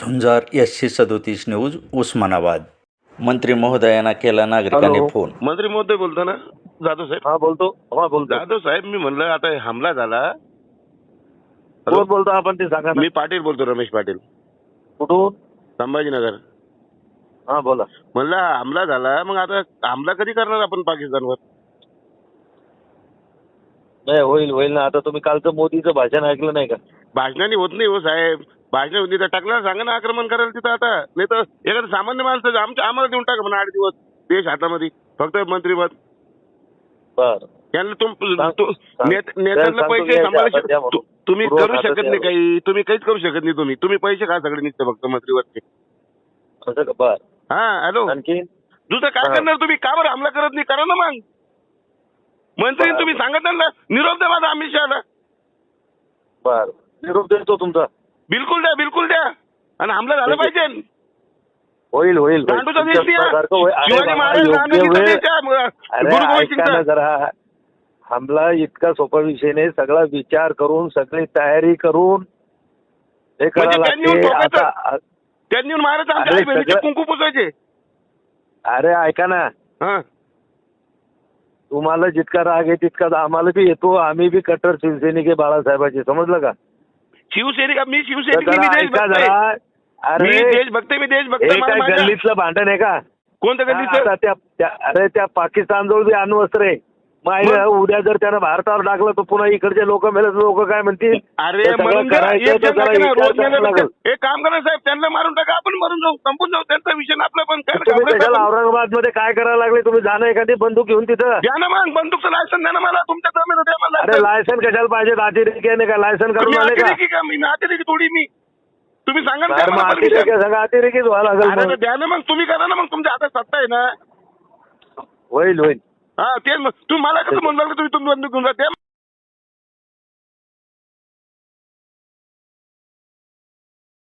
झुंजार SC37 news Osmanabad. मंत्री महोदयांना केला नागरिकांनी हॅलो. फोन। मंत्री महोदय बोलतो ना जाधव साहेब? हा बोलतो जाधव साहेब, मी म्हणलं आता हमला झाला. कोण बोलतो आपण ते सांगा ना. मी पाटील बोलतो, रमेश पाटील, कुठून? संभाजीनगर. हा बोला. म्हणलं हमला झाला, मग आता हमला कधी करणार आपण पाकिस्तानवर? नाही होईल ना. आता तुम्ही कालचं मोदीचं भाषण ऐकलं नाही का? भाषणाने होत नाही हो साहेब, भाषण होत नाही तर टाकला सांगा ना आक्रमण करायला तिथं. आता नाही तर एखादं सामान्य माणसं आम्हाला देऊन टाका म्हणा 8 दिवस देश हातामध्ये, फक्त मंत्रीपद. बर त्यांना नेत्यांना पैसे सांभाळायचे तुम्ही करू शकत नाही काही, तुम्ही काहीच करू शकत नाही. तुम्ही पैसे खा सगळे निघते फक्त मंत्रीवरचे. असं का? बर हा हॅलो, आणखी दुसरं काय करणार तुम्ही? का बरं हमला करत नाही? करा ना मग. मंत्री तुम्ही सांगत ना, निरोप द्या माझा अमित शहाला. बर निरोप देतो तुमचा. बिलकुल द्या आणि हमला झाला पाहिजे. होईल गांडूचा देश द्या. तुमच्यासारखं होईल. अरे शिवाजी बाबा, महाराज योग्य गांधीचा वेळ. देश द्या. अरे गुरु गोविंद ऐका ना सिंगचा. जरा. हमला इतका सोपा विषय नाही. सगळा विचार करून, सगळी तयारी करून हे म्हणजे करावं त्यांनी येऊन लागते. ठोकायचं. आता त्यांनी येऊन महाराज आमच्या अरे आई बहिणीचे सगळं- कुंकू पुसायचे. अरे ऐका ना, हा तुम्हाला जितका राग आहे तितका आम्हाला बी येतो. आम्ही बी कट्टर शिवसैनिक आहे बाळासाहेबांचे, समजलं का? शिवसैनिक, मी तर शिवसैनिक, जरा मी ऐका देशभक्त आहे. जरा. अरे मी देशभक्त आहे, मी देशभक्त हे आहे. काय मला माझ्या- गल्लीतलं भांडण आहे का? कोणत्या गल्लीचं? आता अरे त्या पाकिस्तानजवळ बी अण्वस्त्र आहे. मग उद्या जर त्यानं भारतावर टाकलं तर पुन्हा इकडचे लोक काय म्हणतील? अरे हे सगळं म्हणून द्या. करायचं एक तर जण जरा टाका ना, विचार रोज करायला मेल्यावर लागेल. एक काम करा साहेब, त्यांना मारून टाका, आपण मरून जाऊ, संपून जाऊ. त्यांचा विषय ना आपला. पण काय तुम्ही घाबरायचं कशाला आपण? औरंगाबाद मध्ये काय करायला लागले? तुम्ही जाणं एखादी बंदूक घेऊन तिथं. द्या ना मग बंदूकचं लायसन, द्या ना मला. तुमच्या जमेल द्या मला अरे लायसन कशाला पाहिजे? अतिरेकी आहे का? लायसन तुम्ही करून आले का? अतिरेकी का? मी अतिरेकी थोडी मी. तुम्ही सांगा ना, द्या अरे मला मग permission. अतिरेकी सगळं अतिरेकीच व्हायला अरे लागेल. तर द्या ना मग, तुम्ही करा ना मग, तुमच्या हातात सत्ता आहे ना. होईल हा तेच मग. तुम्ही मला कसं म्हणलं तुम्ही बंदूक घेऊन जा? द्या.